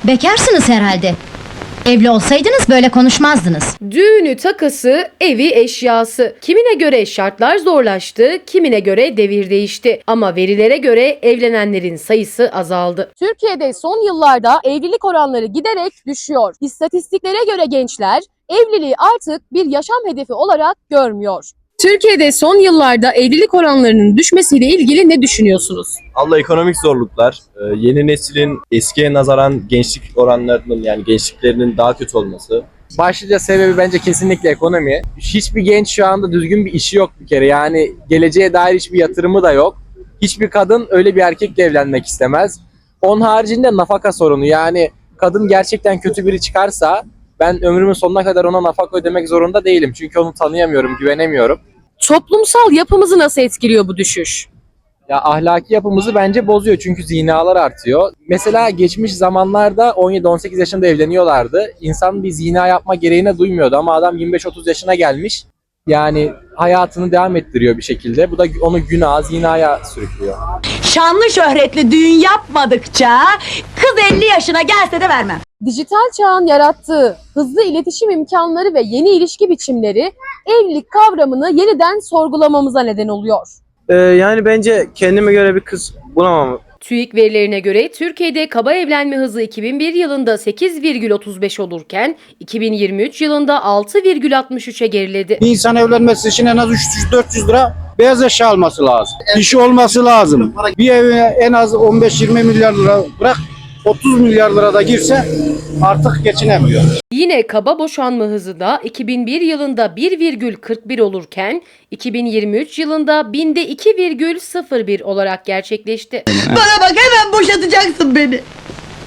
Bekarsınız herhalde. Evli olsaydınız böyle konuşmazdınız. Düğünü, takısı, evi, eşyası. Kimine göre şartlar zorlaştı, kimine göre devir değişti. Ama verilere göre evlenenlerin sayısı azaldı. Türkiye'de son yıllarda evlilik oranları giderek düşüyor. İstatistiklere göre gençler evliliği artık bir yaşam hedefi olarak görmüyor. Türkiye'de son yıllarda evlilik oranlarının düşmesiyle ilgili ne düşünüyorsunuz? Allah ekonomik zorluklar, yeni neslin eskiye nazaran gençlik oranlarının yani gençliklerinin daha kötü olması. Başlıca sebebi bence kesinlikle ekonomi. Hiçbir genç şu anda düzgün bir işi yok bir kere. Yani geleceğe dair hiçbir yatırımı da yok. Hiçbir kadın öyle bir erkekle evlenmek istemez. Onun haricinde nafaka sorunu. Yani kadın gerçekten kötü biri çıkarsa ben ömrümün sonuna kadar ona nafaka ödemek zorunda değilim. Çünkü onu tanıyamıyorum, güvenemiyorum. Toplumsal yapımızı nasıl etkiliyor bu düşüş? Ya ahlaki yapımızı bence bozuyor çünkü zinalar artıyor. Mesela geçmiş zamanlarda 17-18 yaşında evleniyorlardı. İnsan bir zina yapma gereğine duymuyordu ama adam 25-30 yaşına gelmiş. Yani hayatını devam ettiriyor bir şekilde. Bu da onu günaha, zinaya sürüklüyor. Şanlı şöhretli düğün yapmadıkça kız 50 yaşına gelse de vermem. Dijital çağın yarattığı hızlı iletişim imkanları ve yeni ilişki biçimleri evlilik kavramını yeniden sorgulamamıza neden oluyor. Yani bence kendime göre bir kız bulamam. TÜİK verilerine göre Türkiye'de kaba evlenme hızı 2001 yılında 8,35 olurken 2023 yılında 6,63'e geriledi. Bir insan evlenmesi için en az 300-400 lira beyaz eşya alması lazım. İşi olması lazım. Bir eve en az 15-20 milyar lira bırak 30 milyar lira da girse artık geçinemiyor. Yine kaba boşanma hızı da 2001 yılında 1,41 olurken 2023 yılında binde 2,01 olarak gerçekleşti. Bana bak, hemen boşatacaksın beni.